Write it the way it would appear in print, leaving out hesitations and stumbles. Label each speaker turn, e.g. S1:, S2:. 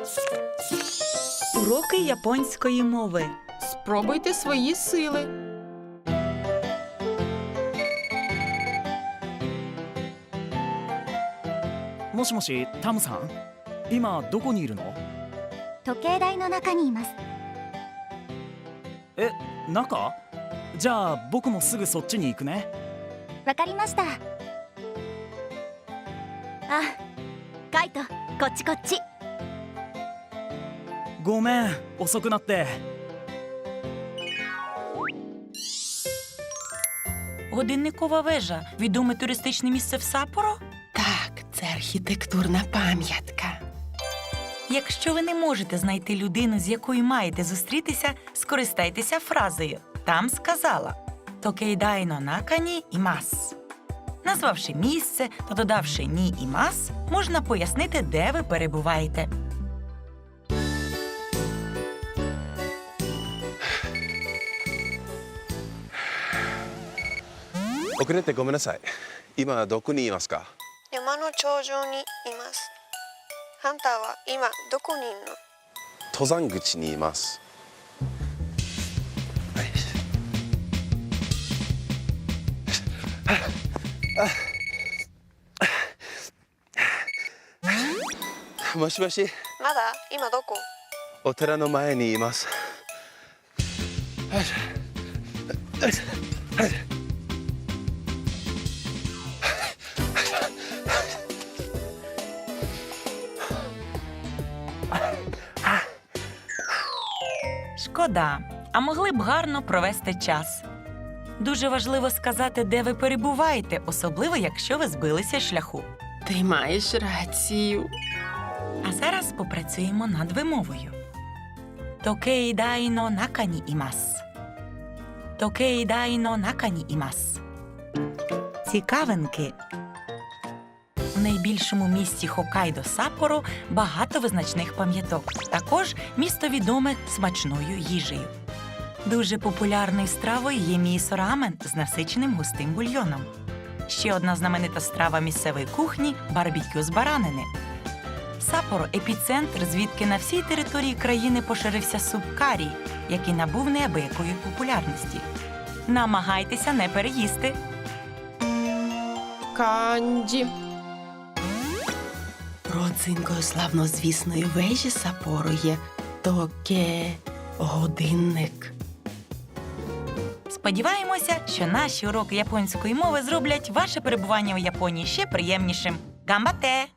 S1: Уроки японської мови.
S2: Спробуйте свої сили.
S3: もしもし、タムさん、今どこにいるの？
S4: 時計台の中にいます。
S3: え、中？じゃあ僕もすぐそっちに行くね。
S4: わかりました。あ、カイト、こっちこっち。
S3: ごめん、遅くなって。
S1: Годинникова вежа – відоме туристичне місце в Саппоро?
S2: Так, це архітектурна пам'ятка.
S1: Якщо ви не можете знайти людину, з якою маєте зустрітися, скористайтеся фразою. Там сказала «Токейдай-но нака-ні імас». Назвавши місце та додавши «ні імас», можна пояснити, де ви перебуваєте.
S5: 遅れてごめんなさい。今どこにいますか？
S6: 山の頂上にいます。ハンターは今どこにいるの？
S5: 登山口にいます。もしもし、
S6: まだ今どこ？
S5: お寺の前にいます。
S1: Шкода, а могли б гарно провести час. Дуже важливо сказати, де ви перебуваєте, особливо, якщо ви збилися з шляху.
S2: Ти маєш рацію.
S1: А зараз попрацюємо над вимовою. Токейдай-но нака-ні імас. Токейдай-но нака-ні імас. Цікавинки. У найбільшому місті Хоккайдо Саппоро багато визначних пам'яток. Також місто відоме смачною їжею. Дуже популярною стравою є місо-рамен з насиченим густим бульйоном. Ще одна знаменита страва місцевої кухні – барбекю з баранини. Саппоро – епіцентр, звідки на всій території країни поширився суп карі, який набув неабиякої популярності. Намагайтеся не переїсти.
S2: Канджі. Родзинкою славнозвісної вежі Саппоро є годинник.
S1: Сподіваємося, що наші уроки японської мови зроблять ваше перебування у Японії ще приємнішим. Гамбате!